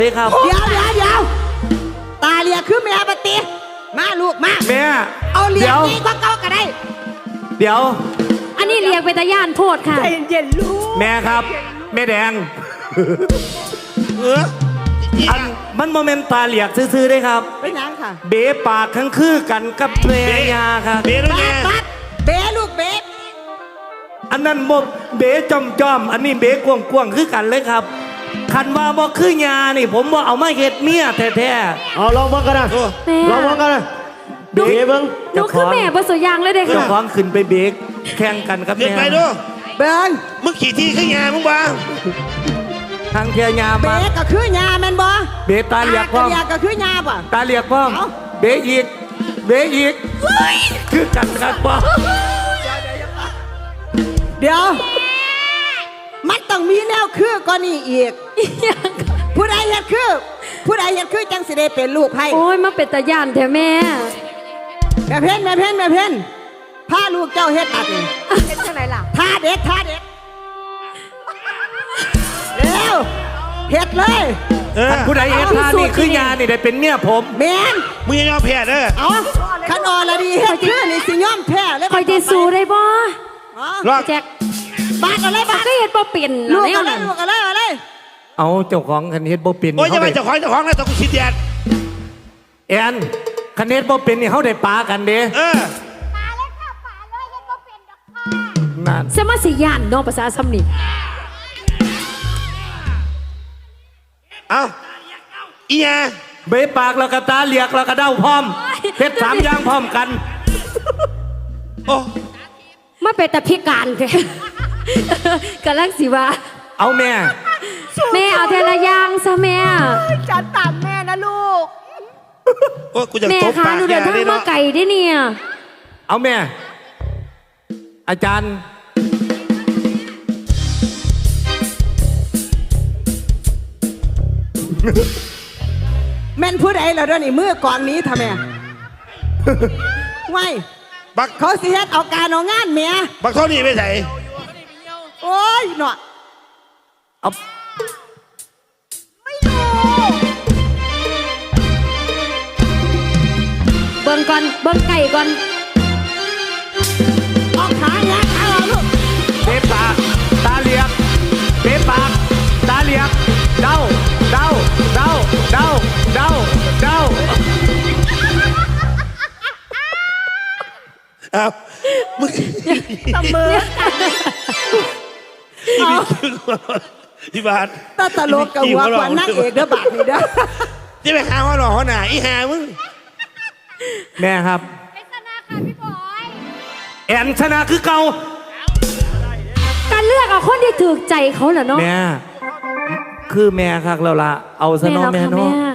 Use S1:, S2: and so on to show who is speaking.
S1: ครับ
S2: เดี๋ยวตาเลียคือแม่ปฏิมาลูกมา
S1: แม่
S2: เอาเลียนี่ก็เก้าก็ได้
S1: เดี๋ยว
S3: อันนี้เรียกเป็นตาย่านโพดค่ะ
S2: ใจเย็นลูก
S1: แม่ครับแม่แดงอันมันโมเมนต์ตาเหลียกซื่อๆได้ครับ
S2: ไม่นังค่ะ
S1: เบ๋ปากทั้งคือกันกับแม่ยาครับ
S4: เบ๋ลูกแม่
S2: เบ๋ลูกเบ๋
S1: อันนั้นโมเบ๋จอมอันนี้เบ๋กวงคือกันเลยครับคันว่าบ่คือยานี่ผมว่าเอามาเฮ็ดเมียแท้
S5: ๆเอาลองเบิ่งกันนะลองเบิ่งกันนะเบ๋เบิ่ง
S3: หนูคือแม่ประสยางเลยเด็ก
S1: เจ้าของขึ้นไปเบ๋แข่งกันกับแม่
S4: ไปดู
S2: เบิ่ง
S4: มึงขี่ที่ขึ้นยามึงบ้า
S1: ทางเทียยา
S2: เบ๋ก็คือยาแม่นบ่
S1: เบ๋ตาเหลียกพ่อ
S2: ก็คือยาป่ะ
S1: ตาเหลียกพ่อเบ๋อีกคือกันครับพ่อ
S2: เดี๋ยวมันต้องมีแนวคือก่อนนี่อีกผู้ใดเฮ็ดคือจังสิได้เป็นลูกไผ
S3: โอ้ยมาเป็นตาย่านแท้แม่
S2: แม่เพ่นพาลูกเจ้าเฮ็ดตัดนี่เฮ็ดจังไหนล่ะท่าเด็ดเร็วเฮ็ดเลย
S1: ผู้ใดเฮ็ดท่านี่คือยานี่ได้เป็นเมียผม
S2: แม่น
S4: มึงยอมแพ้เด้อ
S2: เอาคันอ่อนละดีเฮ็ดคือนี่สิยอมแพ้เลย
S3: คอยจะสู้ได้บ่
S4: รอด
S3: แจ็ค
S2: บาดอะไรบาด
S3: ก็เฮ็ดบ่เป็น
S2: ลูกอะไร
S1: เอาเจ้าของคันเฮ็ดบ่เป็น
S4: โอ้ยจะไปเจ้าของแล้วต้องกูชิดแดด
S1: แอนคันเฮ็ดบ่เป็นนี่เฮาได้ปากันเด้
S4: ปาเลย
S3: เฮ็ดบ่เป็นดอกค่ะนั่นสมาสิย่านเนาะภาษาซ้ำนี่
S4: เอาอีหยา
S1: เบะปากแล้วก็ตาเหลียกแล้วก็เด้าพร้อมเฮ็ด3อย่างพร้อมกัน
S4: โอ้
S3: มาเป็นแต่พิการแท้กำลังสิว่า
S1: เอาแม่
S3: เอาเทละอย่างซะแม่
S2: จัดตามแม่นะลูก
S4: โอ้กูจะตบปาก
S3: แม่ค่ะหนูเดินทางมาไกลได้เนี่ย
S1: เอาแม่อาจารย์
S2: แม่นผู้ใดแล้วเด้อนี่มือก่อนนี้ทำไมไว้
S4: บัก
S2: เขาสิเฮ็ดเอาการเอางานเมีย
S4: บักเท่านี้ไม่ใส่
S2: โอ้ยหนอ
S1: เอา
S2: ไม่รู้
S3: เบิ่งก่อนเบิ่งไก่ก่อน
S2: เอาขาเงี้ยขาเอาลูก
S1: เบะปากตาเหลียกเบะปากตาเหลียกเด้า
S4: เอามึง
S2: ตบมือ
S4: ที่บาท
S2: ตลกกับหัวกว่านักเอกเด้อบาทนี่เด้อ
S4: ที่ไปหาหัวหล่อหัวหน้าอีหามึง
S1: แม่ครับ
S3: ชนะค่ะพี่บอย
S1: แอนชนะคือเก่า
S3: การเลือกเอาคนที่ถูกใจเขาเหรอเนาะ
S1: แม่คือแม่ครับเราละเอาซะเนาะแม่เนาะ